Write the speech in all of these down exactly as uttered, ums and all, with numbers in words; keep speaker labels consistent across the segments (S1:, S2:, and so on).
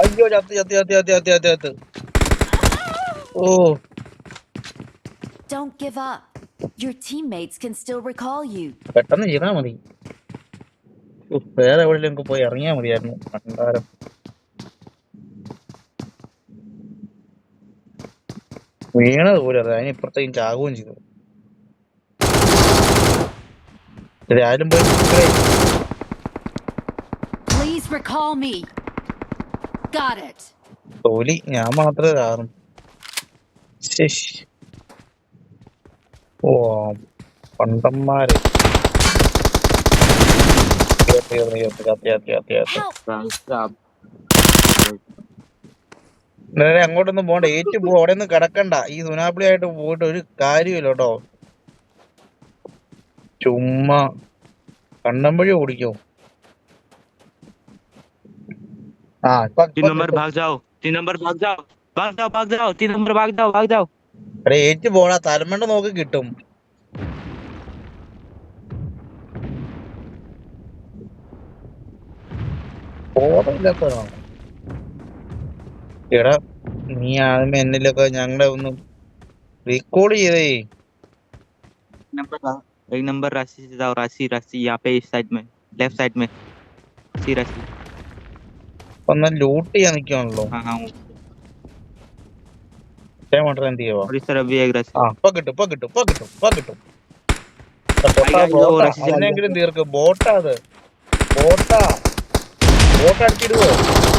S1: അയ്യോ ചത്ത് ചത്ത് ചത്ത് ചത്ത് ചത്ത് ചത്ത് ചത്ത് ഓ
S2: Don't give up. Your teammates can still recall you.
S1: പെട്ടെന്ന് ചെയ്താ മതി. ഉഫ്, വേറെ എവിടെയെങ്കിലും പോയി ഇറങ്ങിയാ മതിയായിരുന്നു. ഭണ്ഡാരം വീണത് പോലും അറിയാം. അതിനിപ്പുറത്തേക്കും ചാകുകയും ചെയ്തു. ശരി, ആരും പോയി
S2: Please recall me. Got it.
S1: തോലി ഞാൻ മാത്രമേ കാരണം. ഓ പണ്ടന്മാര് അങ്ങോട്ടൊന്നും പോണ്ട, ഏറ്റു പോ. അവിടെ ഒന്നും കിടക്കണ്ട. ഈ സുനാപ്പിളി ആയിട്ട് പോയിട്ട് ഒരു കാര്യമില്ല കേട്ടോ. ചുമ്മാ കണ്ണമ്പഴി ഓടിക്കോ. ആ
S3: तीन नंबर भाग जाओ, तीन नंबर भाग जाओ, भाग जाओ, भाग जाओ, तीन नंबर भाग जाओ, भाग जाओ.
S1: അവിടെ ഏറ്റു പോടാ, തലമണ്ട നോക്കി കിട്ടും. ബോധമില്ലാത്തതാണ്. എടാ നീ ആദ്യമേ എന്നിലൊക്കെ ഞങ്ങളെ ഒന്ന് റീകോൾ ചെയ്തേ.
S3: नंबर एक नंबर राशि से जाओ, राशि राशि यहाँ पे इस साइड में, लेफ्ट साइड में राशि राशि.
S1: ഒന്ന് ലൂട്ട് ചെയ്യാൻ നിൽക്കുകയാണല്ലോ.
S3: हाँ हाँ
S1: എന്ത് ചെയ്യുവാ?
S3: और इस तरफ भी एक राशि.
S1: ആ ഇപ്പൊ കിട്ടും ഇപ്പൊ കിട്ടും ഇപ്പൊ കിട്ടും ഇപ്പൊ കിട്ടും.
S3: आएगा, ये वो राशि से आएगा.
S1: അതിനെങ്കിലും തീർക്ക്. ബോട്ടാ അത്, ബോട്ടാ. ബോട്ട് അടിച്ചിടുവോ?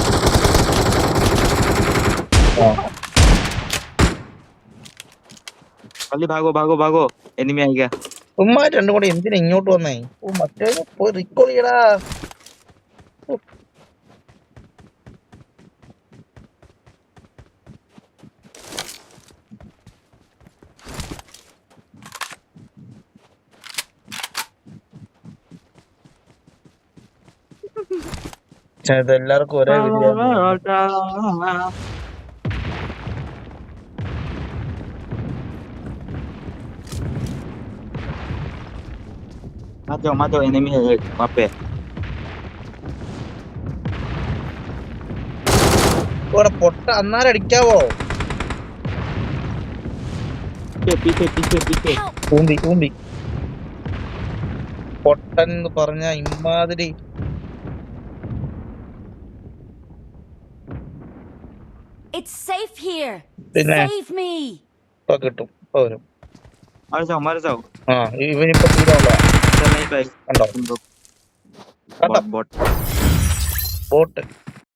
S3: जल्दी भागो भागो भागो, एनिमी आ गया.
S1: ഉമ്മാ രണ്ടും കൂടെ എന്തിനാ ഇങ്ങോട്ട് വന്നേ? ഓ മറ്റേ പോയി റിക്കോൾ ചെയ്യടാ. ഇതെല്ലാവർക്കും ഒരേ വിധിയാണ്.
S3: मत जाओ मत जाओ, एनिमी है एक वहाँ पे.
S1: ഇവിടെ പൊട്ട അന്നാരം അടിക്കാവോ?
S3: पीछे पीछे पीछे पीछे.
S1: ഊന്തി ഊന്തി പൊട്ടൻ എന്ന് പറഞ്ഞ ഇമ്മാതിരി.
S2: It's safe here.
S1: പിന്നെ
S2: Save me.
S1: ഇപ്പൊ കിട്ടും, ഇപ്പൊ വരും.
S3: मर जाओ मर जाओ.
S1: ആ ഇവനിപ്പോ തീരാനുള്ള
S3: चल नहीं पाएगा.
S1: കണ്ടോ
S3: तुम लोग
S1: കണ്ടോ
S3: बॉट बॉट.
S1: ബോട്ട്